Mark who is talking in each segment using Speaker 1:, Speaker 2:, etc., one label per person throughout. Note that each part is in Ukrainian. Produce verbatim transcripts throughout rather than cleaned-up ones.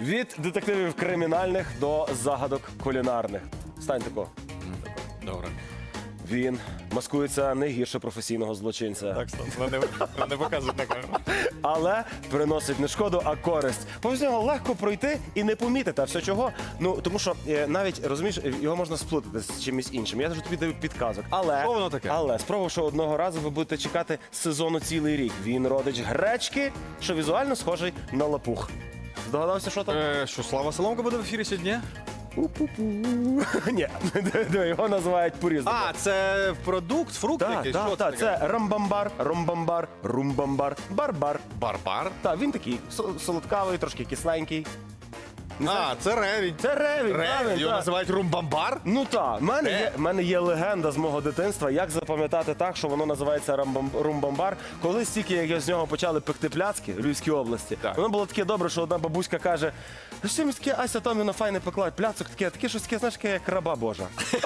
Speaker 1: Від детективів кримінальних до загадок кулінарних. Стань тако.
Speaker 2: Добре.
Speaker 1: Він маскується не гірше професійного злочинця.
Speaker 2: Так, стоп. Не, не показують на камеру.
Speaker 1: Але приносить не шкоду, а користь. Повз нього легко пройти і не помітити. А все чого? Ну, тому що е, навіть, розумієш, його можна сплутати з чимось іншим. Я вже тобі даю підказок. Але,
Speaker 2: Що воно таке?
Speaker 1: але спробувавши одного разу, ви будете чекати сезону цілий рік. Він родич гречки, що візуально схожий на лапух. Здогадався, що там?
Speaker 2: Е, що, Слава Соломка буде в ефірі сьогодні?
Speaker 1: У-пу-пу. Ні, його називають по-різному.
Speaker 2: А, це продукт, фрукт
Speaker 1: Так,
Speaker 2: якийсь?
Speaker 1: так,
Speaker 2: Що
Speaker 1: так,
Speaker 2: таке?
Speaker 1: це рамбамбар, ромбамбар, румбамбар, барбар.
Speaker 2: Барбар?
Speaker 1: Так, він такий сол- солодкавий, трошки кисленький. Не знаю.
Speaker 2: А, це ревінь.
Speaker 1: Це ревінь,
Speaker 2: Ревінь,
Speaker 1: правильно,
Speaker 2: його
Speaker 1: так.
Speaker 2: називають румбамбар?
Speaker 1: Ну так, в мене
Speaker 2: Е.
Speaker 1: є, в мене є легенда з мого дитинства, як запам'ятати так, що воно називається рамбам- румбамбар. Колись тільки як з нього почали пекти пляцки в Львівській області,
Speaker 2: Так.
Speaker 1: воно було таке добре, що одна бабуська каже: що мені таке Ася Томівна файне пекла, пляцок таке, таке щось таке, знаєш, таке, як раба Божа.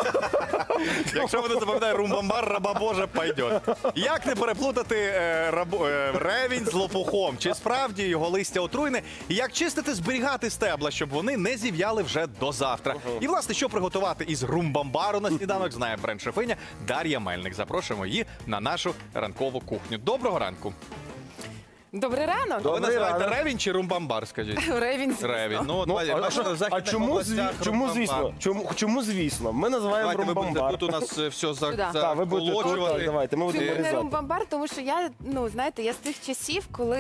Speaker 2: Якщо вони запам'ятають румбамбар, раба Божа, пойдет. Як не переплутати е, рабо- е, ревінь з лопухом? Чи справді його листя отруйне? І як чистити, зберігати стебла, щоб вони не зів'яли вже до завтра? І, власне, що приготувати із румбамбару на сніданок, знає бренд-шефиня Дар'я Мельник. Запрошуємо її на нашу ранкову кухню. Доброго ранку.
Speaker 3: Добрий ранок.
Speaker 2: Ви
Speaker 1: Добрий
Speaker 2: називаєте
Speaker 1: ранок.
Speaker 2: ревінь чи румбамбар, скажіть?
Speaker 3: Ревінь, звісно.
Speaker 2: Ревінь. Ну, от,
Speaker 1: Ну,
Speaker 2: бачите,
Speaker 1: а, що-
Speaker 2: в
Speaker 1: а
Speaker 2: західних
Speaker 1: чому, зві...
Speaker 2: областях
Speaker 1: чому
Speaker 2: румбамбар.
Speaker 1: звісно? Чому, чому звісно? Ми називаємо
Speaker 2: Давайте ви будете
Speaker 1: румбамбар.
Speaker 2: тут у нас е, все за,
Speaker 3: Сюди.
Speaker 1: Так, ви будете тут,
Speaker 2: заколочувати.
Speaker 1: так, давайте, ми будемо
Speaker 3: Чому не
Speaker 1: нарізати.
Speaker 3: румбамбар? Тому що я, ну знаєте, я з тих часів, коли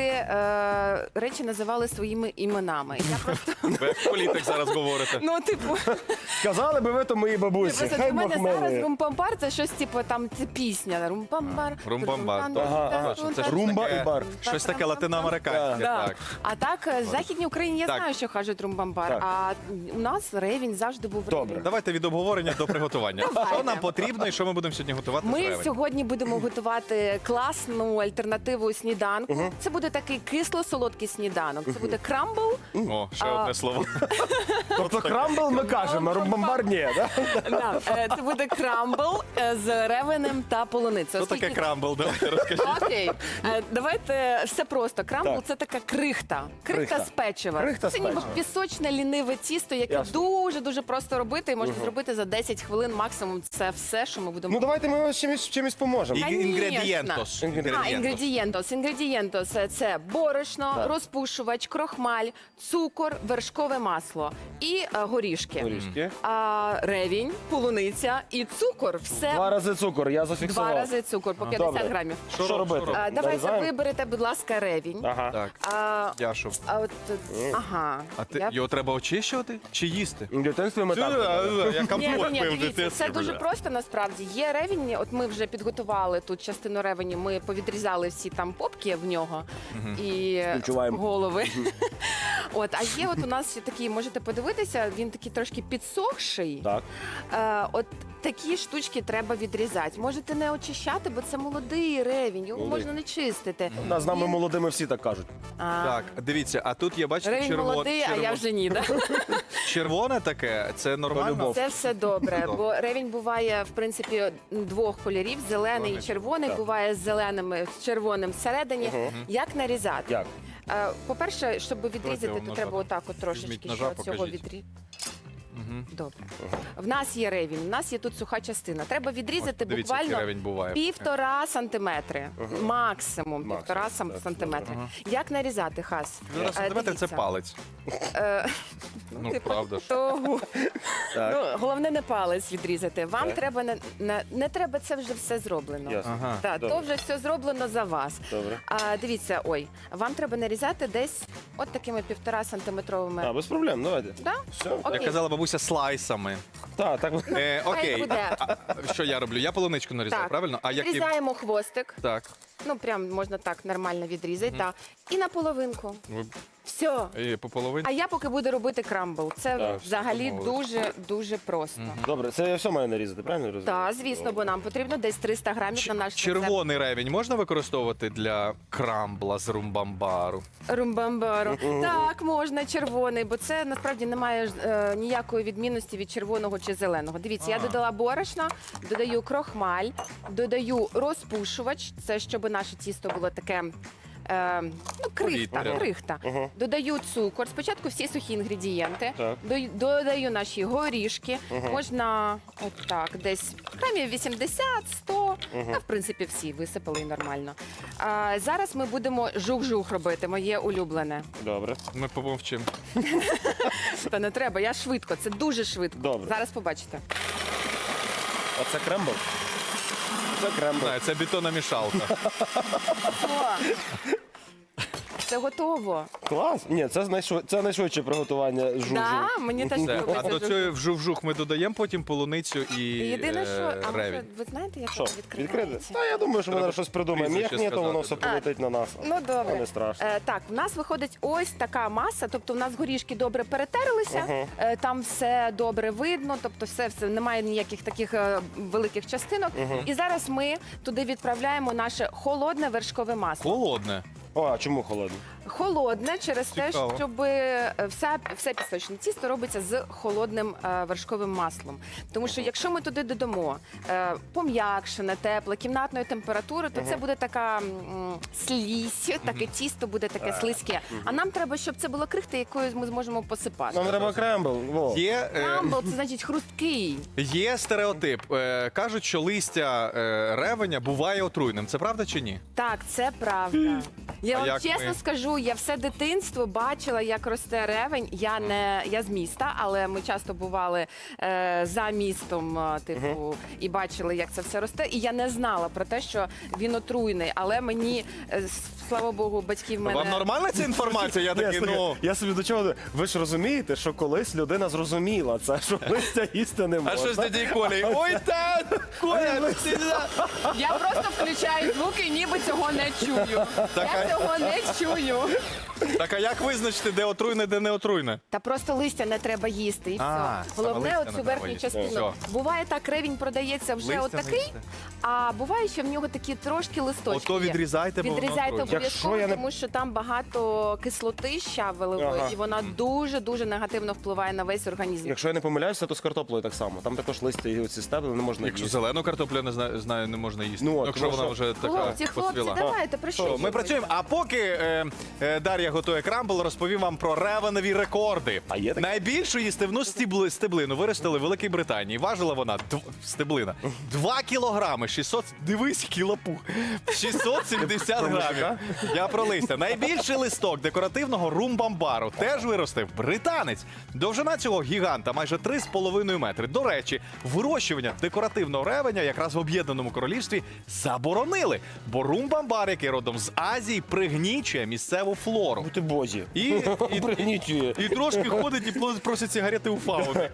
Speaker 3: е, речі називали своїми іменами. Я просто,
Speaker 2: Ви як політик зараз говорите.
Speaker 3: ну, типу,
Speaker 1: Сказали би ви то моїй бабусі.
Speaker 3: просто
Speaker 1: Хай
Speaker 3: для мене
Speaker 1: Бог
Speaker 3: зараз
Speaker 1: милує.
Speaker 3: румбамбар це щось, типу, там це пісня. Румбамбар.
Speaker 2: Румбамбар.
Speaker 1: Ага, ага.
Speaker 2: Це ж
Speaker 1: Румба
Speaker 2: таке-
Speaker 1: і бар.
Speaker 2: Щось таке латиноамериканське.
Speaker 3: Да.
Speaker 2: Так.
Speaker 3: А так, е, в Західній Україні я
Speaker 2: Так.
Speaker 3: знаю, що кажуть румбамбар,
Speaker 1: Так.
Speaker 3: а у нас ревінь завжди був
Speaker 1: Добре.
Speaker 3: ревінь.
Speaker 2: Давайте від обговорення до приготування.
Speaker 3: Давайте.
Speaker 2: Що нам потрібно і що ми будемо сьогодні готувати з
Speaker 3: Ми
Speaker 2: ревень?
Speaker 3: сьогодні будемо готувати класну альтернативу сніданку. Це буде такий кисло-солодкий сніданок. Це буде крамбл.
Speaker 2: О, ще
Speaker 3: А,
Speaker 2: одне слово.
Speaker 1: Тобто крамбл ми кажемо, а румбамбар ні, так?
Speaker 3: Да, е, це буде крамбл е, з ревенем та полуницею.
Speaker 2: Що таке крамбл? Давайте розкажіть.
Speaker 3: Окей, Е, давайте все просто. Крамбл
Speaker 1: Так.
Speaker 3: це така крихта. Крихта,
Speaker 1: Крихта.
Speaker 3: з печива.
Speaker 1: Крихта з
Speaker 3: це ніби
Speaker 1: печива.
Speaker 3: пісочне ліниве тісто, яке
Speaker 1: Ясно.
Speaker 3: дуже дуже просто робити. І можна зробити за десять хвилин максимум. Це все, що ми будемо.
Speaker 1: Ну давайте ми вас чимось, чимось поможемо.
Speaker 2: І-
Speaker 3: Конечно.
Speaker 2: Інгредієнтос.
Speaker 3: А,
Speaker 2: Інгредієнтос.
Speaker 3: інгредієнтос. Інгредієнтос – це борошно,
Speaker 1: Так.
Speaker 3: розпушувач, крохмаль, цукор, вершкове масло і е, горішки.
Speaker 1: Горішки.
Speaker 3: А, ревінь, полуниця і цукор. Все
Speaker 1: Два рази цукор, я
Speaker 3: два
Speaker 1: зафіксував.
Speaker 3: рази цукор по п'ятдесят
Speaker 1: Добре.
Speaker 3: грамів.
Speaker 1: Що,
Speaker 2: Що
Speaker 1: робити?
Speaker 2: робити?
Speaker 3: А, давайте
Speaker 1: Нарізаємо?
Speaker 3: виберете, будь ласка, ревінь.
Speaker 1: Ага.
Speaker 2: Так,
Speaker 3: А,
Speaker 2: Яшу.
Speaker 3: а от, ага.
Speaker 2: А ти,
Speaker 3: Я-
Speaker 2: його треба очищувати чи їсти?
Speaker 1: В дитинстві ми так.
Speaker 2: Я
Speaker 3: Ні,
Speaker 2: компот
Speaker 3: ні,
Speaker 2: пив в
Speaker 3: дивіться,
Speaker 2: дитинстві.
Speaker 3: це дуже
Speaker 2: бля.
Speaker 3: просто насправді. Є ревінь, от ми вже підготували тут частину ревені, ми повідрізали всі там попки в нього і
Speaker 1: Співчуваємо.
Speaker 3: голови. От, а є от у нас ще такий, можете подивитися, він такий трошки підсохший.
Speaker 1: Так.
Speaker 3: Е, от такі штучки треба відрізати. Можете не очищати, бо це молодий ревінь, його
Speaker 1: Молодий.
Speaker 3: можна не чистити.
Speaker 1: Да, з нами
Speaker 3: Він-
Speaker 1: молодими всі так кажуть.
Speaker 3: А,
Speaker 2: Так, дивіться, а тут є, бачите,
Speaker 3: Ревінь
Speaker 2: червоне.
Speaker 3: молодий, а я вже ні. Да?
Speaker 2: Червоне таке, це нормально?
Speaker 1: любов.
Speaker 3: Це все добре,
Speaker 2: Добре.
Speaker 3: бо ревінь буває в принципі двох кольорів: зелений і червоний.
Speaker 1: Так.
Speaker 3: Буває з зеленим, з червоним всередині. Як нарізати?
Speaker 1: Як?
Speaker 3: Е, По-перше, щоб відрізати,
Speaker 2: вам
Speaker 3: то
Speaker 2: ножа.
Speaker 3: треба отак от трошечки
Speaker 2: Візьміть
Speaker 3: ще
Speaker 2: ножа,
Speaker 3: от цього
Speaker 2: покажіть.
Speaker 3: відрізати. Добре. В нас є ревінь, в нас є тут суха частина. Треба відрізати
Speaker 2: От, дивіться, який
Speaker 3: буквально
Speaker 2: ревінь буває.
Speaker 3: півтора сантиметри. Максимум півтора
Speaker 1: Максимум,
Speaker 3: сам-
Speaker 1: так.
Speaker 3: сантиметри. Як нарізати, Хас?
Speaker 2: Зараз
Speaker 3: Е,
Speaker 2: сантиметр це
Speaker 3: дивіться.
Speaker 2: палець.
Speaker 3: Е,
Speaker 2: Ну,
Speaker 3: типу,
Speaker 2: правда ж.
Speaker 3: того.
Speaker 1: Так.
Speaker 3: Ну, головне не палець відрізати. Вам
Speaker 1: Так.
Speaker 3: треба не, не, не треба, це вже все зроблено.
Speaker 1: Ясно.
Speaker 2: Ага.
Speaker 3: Так,
Speaker 1: Добре.
Speaker 3: то вже все зроблено за вас.
Speaker 1: Добре.
Speaker 3: А дивіться, ой, вам треба нарізати десь от такими півтора сантиметровими.
Speaker 1: А, без проблем, давайте.
Speaker 3: Да?
Speaker 1: Все.
Speaker 3: Окей.
Speaker 2: Як казала бабуся, слайсами.
Speaker 1: Так, так.
Speaker 2: Е,
Speaker 3: Хай
Speaker 2: окей,
Speaker 3: буде.
Speaker 2: А, а, що я роблю? Я полуничку нарізаю,
Speaker 3: Так.
Speaker 2: правильно? А які...
Speaker 3: Відрізаємо хвостик.
Speaker 2: Так.
Speaker 3: Ну, прям можна так нормально відрізати. Так. І на половинку.
Speaker 2: Ви-
Speaker 3: Все.
Speaker 2: І по половині?
Speaker 3: А я поки буду робити крамбл. Це
Speaker 1: Так,
Speaker 3: взагалі
Speaker 2: домовились.
Speaker 3: дуже дуже просто.
Speaker 1: Добре, це я все маю нарізати, правильно я розумію?
Speaker 3: Так, звісно, бо нам потрібно десь триста грамів на наш рецепт.
Speaker 2: Червоний ревінь можна використовувати для крамбла з румбамбару?
Speaker 3: Румбамбару. Так, можна червоний, бо це насправді не має е, ніякої відмінності від червоного чи зеленого. Дивіться, я
Speaker 2: Ага.
Speaker 3: додала борошно, додаю крохмаль, додаю розпушувач. Це щоб наше тісто було таке е, ну, крихта,
Speaker 2: Повітря.
Speaker 3: крихта.
Speaker 1: Мгм.
Speaker 3: Додаю цукор. Спочатку всі сухі інгредієнти.
Speaker 1: Так.
Speaker 3: Дой- Додаю наші горішки. Можна отак, десь грамів вісімдесят-сто. А, в принципі, всі висипали і нормально. А, зараз ми будемо жух-жух робити, моє улюблене.
Speaker 1: Добре.
Speaker 2: Ми помовчимо.
Speaker 3: Та не треба, я швидко, це дуже швидко.
Speaker 1: Добре.
Speaker 3: Зараз побачите.
Speaker 1: Оце крембл. Це крембл.
Speaker 2: Знаю, це бетономішалка.
Speaker 3: О, це готово.
Speaker 1: Клас. Ні, це найшвид... це найшвидше приготування жужу.
Speaker 3: Да, мені теж
Speaker 2: Все. А
Speaker 3: подобається
Speaker 2: до
Speaker 3: жух.
Speaker 2: цього в жух-жух ми додаємо потім полуницю і
Speaker 3: Єдине,
Speaker 2: е,
Speaker 3: що, а може,
Speaker 2: ревінь.
Speaker 3: ви знаєте, як
Speaker 1: Що,
Speaker 3: воно
Speaker 1: відкрити?
Speaker 3: відкривається?
Speaker 1: Та я думаю, що ми
Speaker 2: Треба
Speaker 1: зараз щось придумаємо. Як
Speaker 2: прізвище
Speaker 1: ні, то воно все
Speaker 2: сказати,
Speaker 1: полетить на нас.
Speaker 3: Ну добре.
Speaker 1: Та не страшно.
Speaker 3: Е, так, в нас виходить ось така маса, тобто в нас горішки добре перетерлися, е, там все добре видно, тобто все, все немає ніяких таких е, великих частинок. І зараз ми туди відправляємо наше холодне вершкове масло.
Speaker 2: Холодне.
Speaker 1: О, а чому холодно?
Speaker 3: Холодне через те,
Speaker 2: Цікаво.
Speaker 3: щоб е, вся, все пісочне тісто робиться з холодним е, вершковим маслом. Тому що якщо ми туди додамо е, пом'якшене, тепле, кімнатної температури, то це буде така м, слізь, таке тісто буде таке слизьке. А нам треба, щоб це було крихта, якою ми зможемо посипати.
Speaker 1: Нам треба крембл. Во.
Speaker 2: Є, е,
Speaker 3: Крамбл – це значить хрусткий.
Speaker 2: є стереотип. Е, кажуть, що листя е, ревеня буває отруйним. Це правда чи ні?
Speaker 3: Так, це правда. Я
Speaker 2: А
Speaker 3: вам
Speaker 2: як
Speaker 3: чесно
Speaker 2: ми?
Speaker 3: скажу, я все дитинство бачила, як росте ревень. Я не я з міста, але ми часто бували е, за містом, е, типу, і бачили, як це все росте. І я не знала про те, що він отруйний. Але мені, е, с- слава Богу, батьків мене
Speaker 2: Вам нормальна ця інформація? Я
Speaker 1: Ні,
Speaker 2: такий,
Speaker 1: слухай,
Speaker 2: ну.
Speaker 1: я собі до чого. Ви ж розумієте, що колись людина зрозуміла це, що листя їсти не можна.
Speaker 2: А що з дядей Колею? Ой, та, Коля, ти за-
Speaker 3: я просто включаю звуки і ніби цього не чую. Я цього не чую.
Speaker 2: Так, а як визначити, де отруйне, де не отруйне?
Speaker 3: Та просто листя не треба їсти, і
Speaker 2: А,
Speaker 3: все.
Speaker 2: саме
Speaker 3: Головне,
Speaker 2: листя
Speaker 3: оцю
Speaker 2: не треба
Speaker 3: верхню
Speaker 2: їсти.
Speaker 3: частину.
Speaker 2: Все.
Speaker 3: Буває так, ревінь продається вже
Speaker 2: Листя не
Speaker 3: отакий,
Speaker 2: їсти.
Speaker 3: а буває, що в нього такі трошки листочки.
Speaker 2: Ото
Speaker 3: є.
Speaker 2: відрізайте, бо воно
Speaker 3: Відрізайте
Speaker 2: отруйне.
Speaker 3: обов'язково,
Speaker 1: Якщо я не-
Speaker 3: тому що там багато кислоти щавелевої,
Speaker 1: Ага.
Speaker 3: і вона дуже-дуже негативно впливає на весь організм.
Speaker 1: Якщо я не помиляюся, то з картоплею так само. Там також листя і оці стебли не можна
Speaker 2: Якщо
Speaker 1: їсти.
Speaker 2: зелену картоплю, не знаю, знаю, не можна їсти.
Speaker 1: Ну, от,
Speaker 2: якщо
Speaker 1: тому
Speaker 2: вона
Speaker 1: що-
Speaker 2: вже така
Speaker 3: Хлопці, хлопці,
Speaker 2: посвіла.
Speaker 3: давайте, про що
Speaker 2: Що, ми
Speaker 3: говорити?
Speaker 2: працюємо. А поки е, е, Дар'я готує крамбл, розповім вам про ревенові рекорди.
Speaker 1: А є таке?
Speaker 2: Найбільшу їстивну стібли, стеблину виростили в Великій Британії. Важила вона дв, стеблина два кілограми, шістсот, дивись, кілопух, шістсот сімдесят грамів. Я про листя. Найбільший листок декоративного румбамбару теж виростив британець. Довжина цього гіганта майже три з половиною метри. До речі, вирощування декоративного ревеня якраз в Об'єднаному Королівстві заборонили, бо румбамбар, який родом з Азії, пригнічує місцеву флору.
Speaker 1: Бути бозі.
Speaker 2: І, і,
Speaker 1: Пригнічує.
Speaker 2: і трошки ходить і пло- просить сигарети у фауни.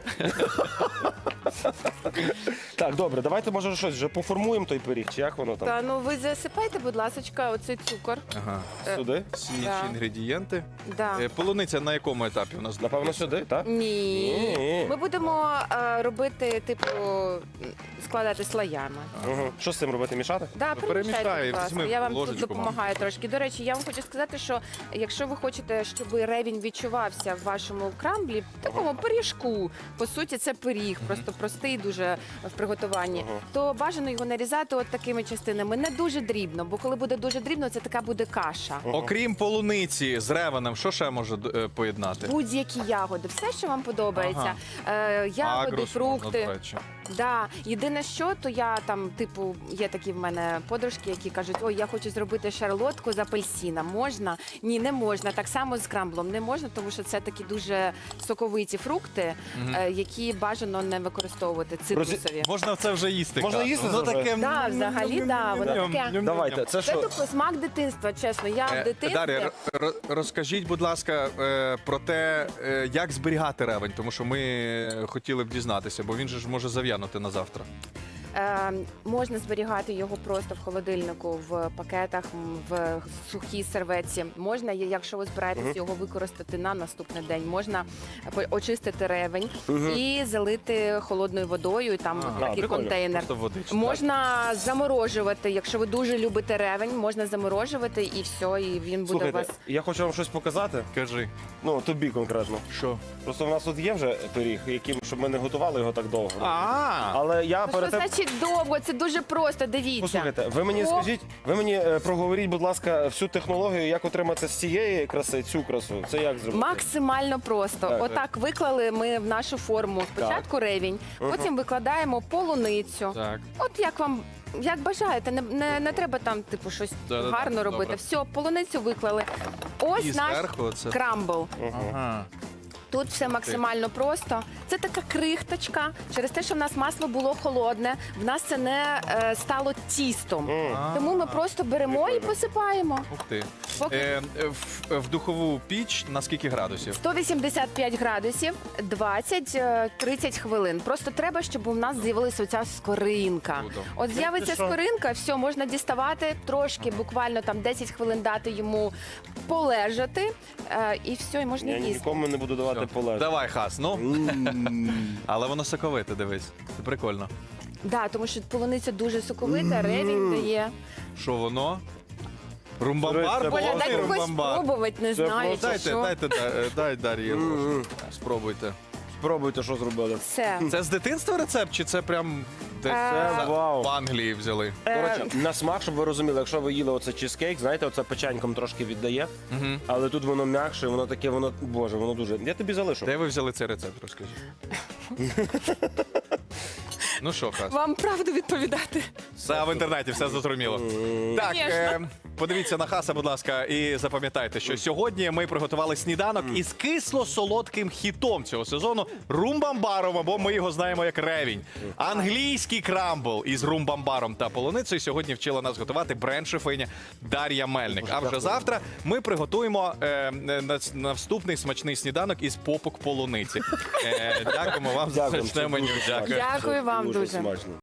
Speaker 1: Так, добре, давайте може щось вже поформуємо той пиріг, чи як воно там?
Speaker 3: Та ну ви засипайте, будь ласка, оцей цукор.
Speaker 2: Ага.
Speaker 1: Сюди?
Speaker 2: Всі
Speaker 3: Да.
Speaker 2: інші інгредієнти.
Speaker 3: Да.
Speaker 2: Е, Полуниця на якому етапі у нас?
Speaker 1: Напевно, сюди, так?
Speaker 3: Ні.
Speaker 1: Ні.
Speaker 3: Ми будемо е, робити, типу, складати слоями.
Speaker 1: Угу. Що з цим робити? Мішати?
Speaker 3: Да,
Speaker 2: Ну,
Speaker 3: перемішайте,
Speaker 2: перемішай,
Speaker 3: будь ласка.
Speaker 2: візьми
Speaker 3: Я вам тут
Speaker 2: ложечку,
Speaker 3: допомагаю трошки. До речі, я вам хочу сказати, що якщо ви хочете, щоб ревінь відчувався в вашому крамблі, в такому пиріжку, по суті, це пиріг, просто простий дуже в приготуванні, то бажано його нарізати от такими частинами. Не дуже дрібно, бо коли буде дуже дрібно, це така буде каша.
Speaker 2: Окрім полуниці з ревеном, що ще може е, поєднати?
Speaker 3: Будь-які ягоди, все, що вам подобається. Е, ягоди,
Speaker 2: Агрус,
Speaker 3: фрукти.
Speaker 2: можна, до речі.
Speaker 3: Да, єдине, що то я там, типу, є такі в мене подружки, які кажуть, ой, я хочу зробити шарлотку з апельсина. Можна? Ні, не можна. Так само з крамблом не можна, тому що це такі дуже соковиті фрукти, е, які бажано не використовувати цитрусові.
Speaker 2: Можна це вже їсти.
Speaker 1: Можна
Speaker 2: кажуть.
Speaker 1: їсти
Speaker 2: Воно
Speaker 1: це вже?
Speaker 2: таке.
Speaker 3: Да, взагалі, да, воно таке.
Speaker 1: Давайте, це
Speaker 3: Це
Speaker 1: що?
Speaker 3: типу смак дитинства, чесно. Я в
Speaker 2: Е,
Speaker 3: дитинстві.
Speaker 2: Дар'я, р- р- розкажіть, будь ласка, е, про те, е, як зберігати ревень, тому що ми е, хотіли б дізнатися, бо він же ж може зав'янути на завтра.
Speaker 3: Е, можна зберігати його просто в холодильнику, в пакетах, м, в сухій серветці. Можна, є- якщо ви збираєтесь його використати на наступний день, можна по- очистити ревень і залити холодною водою. І там
Speaker 2: Ага.
Speaker 3: такий
Speaker 1: А, прикольно.
Speaker 3: контейнер.
Speaker 2: Просто водичка.
Speaker 3: Можна заморожувати. Якщо ви дуже любите ревень, можна заморожувати і все, і він буде у
Speaker 1: Слухайте,
Speaker 3: вас.
Speaker 1: я хочу вам щось показати.
Speaker 2: Кажи.
Speaker 1: Ну, тобі конкретно.
Speaker 2: Що?
Speaker 1: Просто в нас тут є вже пиріг, яким, щоб ми не готували його так довго.
Speaker 2: А,
Speaker 1: Але я
Speaker 3: Ну,
Speaker 1: перед
Speaker 3: що
Speaker 1: тим...
Speaker 3: значить значить довго, це дуже просто, дивіться.
Speaker 1: Послухайте, ви мені
Speaker 3: О.
Speaker 1: скажіть, ви мені е, проговоріть, будь ласка, всю технологію, як отримати з цієї краси цю красу. Це як зробити?
Speaker 3: Максимально просто.
Speaker 1: Так,
Speaker 3: Отак виклали ми в нашу форму спочатку ревінь, потім викладаємо полуницю.
Speaker 2: Так.
Speaker 3: От як вам. Як бажаєте, не, не, не треба там типу щось
Speaker 2: Да-да-да,
Speaker 3: гарно робити.
Speaker 2: добре.
Speaker 3: Все, полуницю виклали. Ось
Speaker 2: І
Speaker 3: наш
Speaker 2: зверху це-
Speaker 3: крамбл.
Speaker 2: Ага.
Speaker 3: Тут все максимально просто. Це така крихточка. Через те, що в нас масло було холодне, в нас це не е, стало тістом. Тому ми просто беремо і посипаємо.
Speaker 2: Ух ти.
Speaker 3: Поки-
Speaker 2: Е, е, в, в духову піч на скільки градусів?
Speaker 3: сто вісімдесят п'ять градусів, двадцять-тридцять хвилин. Просто треба, щоб у нас з'явилася оця скоринка.
Speaker 2: Круто.
Speaker 3: От з'явиться
Speaker 1: що?
Speaker 3: скоринка, все, можна діставати, трошки, буквально там десять хвилин дати йому полежати, е, і все, і можна
Speaker 1: Я
Speaker 3: їсти.
Speaker 1: нікому не буду давати полежати.
Speaker 2: Давай, Хас, ну. Але воно соковите, дивись. Це прикольно.
Speaker 3: Да, тому що полуниця дуже соковита, ревінь дає.
Speaker 2: Що воно? Румбамбар?
Speaker 1: Це
Speaker 3: Боже,
Speaker 1: Повний
Speaker 3: дай когось
Speaker 2: румбамбар.
Speaker 3: спробувати, не
Speaker 1: Це
Speaker 3: знаю,
Speaker 1: просто-
Speaker 3: чи
Speaker 2: Дайте,
Speaker 3: що.
Speaker 2: дайте, дай, дай Дар'ї.
Speaker 1: Мгм.
Speaker 2: Спробуйте.
Speaker 1: Спробуйте, що зробили.
Speaker 3: Все.
Speaker 2: Це з дитинства рецепт, чи це прям десь
Speaker 3: Е,
Speaker 2: за-
Speaker 1: вау.
Speaker 2: в Англії взяли?
Speaker 1: До речі, на смак, щоб ви розуміли, якщо ви їли оце чизкейк, знаєте, оце печеньком трошки віддає, але тут воно м'якше, воно таке, воно, боже, воно дуже. Я тобі залишу.
Speaker 2: Де ви взяли цей рецепт, розкажіть? Ну що, Хас?
Speaker 3: Вам правду відповідати.
Speaker 2: Все в інтернеті, все зрозуміло. Так,
Speaker 3: Конечно.
Speaker 2: е, подивіться на Хаса, будь ласка, і запам'ятайте, що сьогодні ми приготували сніданок із кисло-солодким хітом цього сезону румбамбаром, або ми його знаємо як ревінь. Англійський крамбл із румбамбаром та полуницею сьогодні вчила нас готувати бренд-шефиня Дар'я Мельник. А вже завтра ми приготуємо е, на- наступний смачний сніданок із попок полуниці. Е, дякуємо вам за
Speaker 1: Дякую.
Speaker 2: смачне меню. Дякую.
Speaker 3: Дякую вам дуже.
Speaker 1: Дуже смачно.